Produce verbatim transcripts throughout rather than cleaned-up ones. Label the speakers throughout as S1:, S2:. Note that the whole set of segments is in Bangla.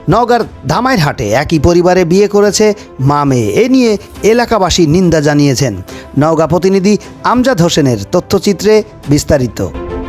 S1: নওগাঁর ধামাইরহাটে একই পরিবারে বিয়ে করেছে মা মেয়ে। এ নিয়ে এলাকাবাসী নিন্দা জানিয়েছেন। নওগাঁ প্রতিনিধি আমজাদ হোসেনের তথ্যচিত্রে বিস্তারিত।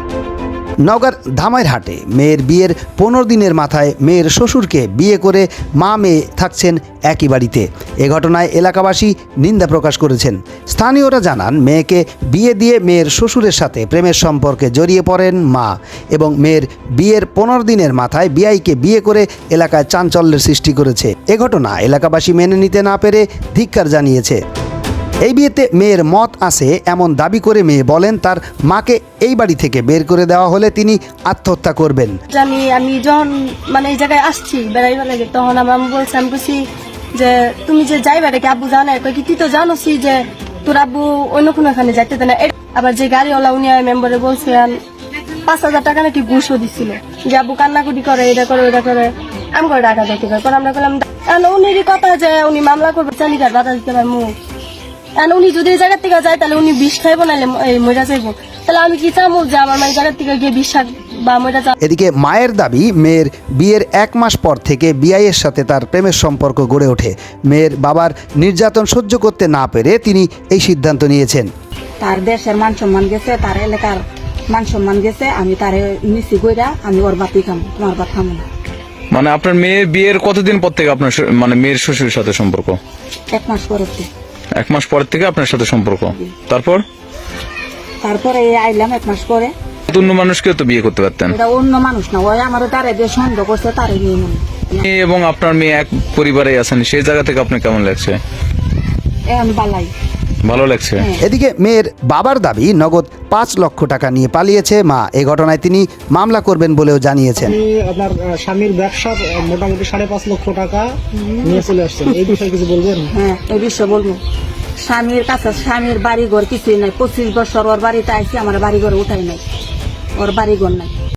S1: নওগাঁর ধামাইরহাটে মেয়ের বিয়ের পনেরো দিনের মাথায় মেয়ের শ্বশুরকে বিয়ে করে মা মেয়ে থাকছেন একই বাড়িতে। এ ঘটনায় এলাকাবাসী নিন্দা প্রকাশ করেছেন। স্থানীয়রা জানান, মেয়েকে বিয়ে দিয়ে মেয়ের শ্বশুরের সাথে প্রেমের সম্পর্কে জড়িয়ে পড়েন মা এবং মেয়ের বিয়ের পনেরো দিনের মাথায় বিয়াইকে বিয়ে করে এলাকায় চাঞ্চল্যের সৃষ্টি করেছে। এ ঘটনা এলাকাবাসী মেনে নিতে না পেরে ধিক্কার জানিয়েছে। এই বিয়েতে মেয়ের মত আছে এমন দাবি করে মেয়ে বলেন, তার মাকে এই বাড়ি থেকে বের করে দেওয়া হলে তিনি আত্মহত্যা করবেন।
S2: জানি আমি যখন মানে এই জায়গায় আসছি বেড়াইবার লাগে, তখন আমার আম্মু বলছে, আমি বলছি যে তুমি যে যাইবা রেখে আব্বু জানে কি তুই তো জানোসি যে তোর আব্বু অন্য কোনো এখানে যাইতে দেয় না। আবার যে গাড়িওয়ালা উনি মেম্বারে বলছে পাঁচ হাজার টাকা নাকি ঘুষও দিচ্ছিল যে আব্বু কান্নাকুটি করে, এটা করে ওটা করে আমি করে টাকা দিতে পারি। পরে আমরা বললাম উনিরই কথা যে উনি মামলা করবে, চালিকার বাধা দিতে পারবো। উনি যদি এই জায়গার থেকে যায় তাহলে উনি বিষ খাইবো নাহলে মজা চাইবো। তাহলে আমি কি চাবো যে আমার মায়ের জায়গার থেকে গিয়ে বিষ বা মজা চাবো।
S1: এদিকে মায়ের দাবি, মেয়ের বিয়ের এক মাস পর থেকে বিআইয়ের সাথে তার প্রেমের সম্পর্ক গড়ে ওঠে। মেয়ের বাবার নির্যাতন সহ্য করতে না পেরে তিনি এই সিদ্ধান্ত নিয়েছেন।
S3: তার দেশের মান সম্মান গেছে, তার এলাকার মান সম্মান গেছে, আমি তারে নিচি গইরা আমি ওর বাপি খাম, তোমার বাপ খামো না।
S4: মানে আপনার মেয়ের বিয়ের কতদিন পর থেকে আপনার মানে মেয়ের শ্বশুরের সাথে সম্পর্ক?
S3: এক মাস পরে।
S4: এক মাস পর থেকে আপনার সাথে সম্পর্ক। তারপর
S3: তারপরে আইলাম এক মাস পরে।
S4: অন্য মানুষকেও তো বিয়ে করতে পারতেন।
S3: এটা অন্য মানুষ না, ওই আমার তারে যে সন্দেহ করছে তারে নিয়ে মনে।
S4: এবং আপনার মেয়ে এক পরিবারে আছেন, সেই জায়গা থেকে আপনার কেমন লাগছে?
S3: এখন বালাই
S4: ভালো লাগছে।
S1: এদিকে মেয়ের বাবার দাবি, নগদ পাঁচ লক্ষ টাকা নিয়ে পালিয়েছে মা। এ ঘটনায় তিনি মামলা করবেন বলেও জানিয়েছেন।
S5: আপনার স্বামীর ব্যবসা মোটামুটি সাড়ে পাঁচ লক্ষ টাকা নিয়ে চলে আসছেন, এই বিষয়ে কিছু বলবেন?
S3: হ্যাঁ, এই বিষয়ে বলবো। স্বামীর কাছে স্বামীর বাড়ি ঘর কিছুই নাই। পঁচিশ বছর ওর বাড়িতে আইসি, আমার বাড়ি ঘর উঠাই নাই, ওর বাড়ি ঘর নাই।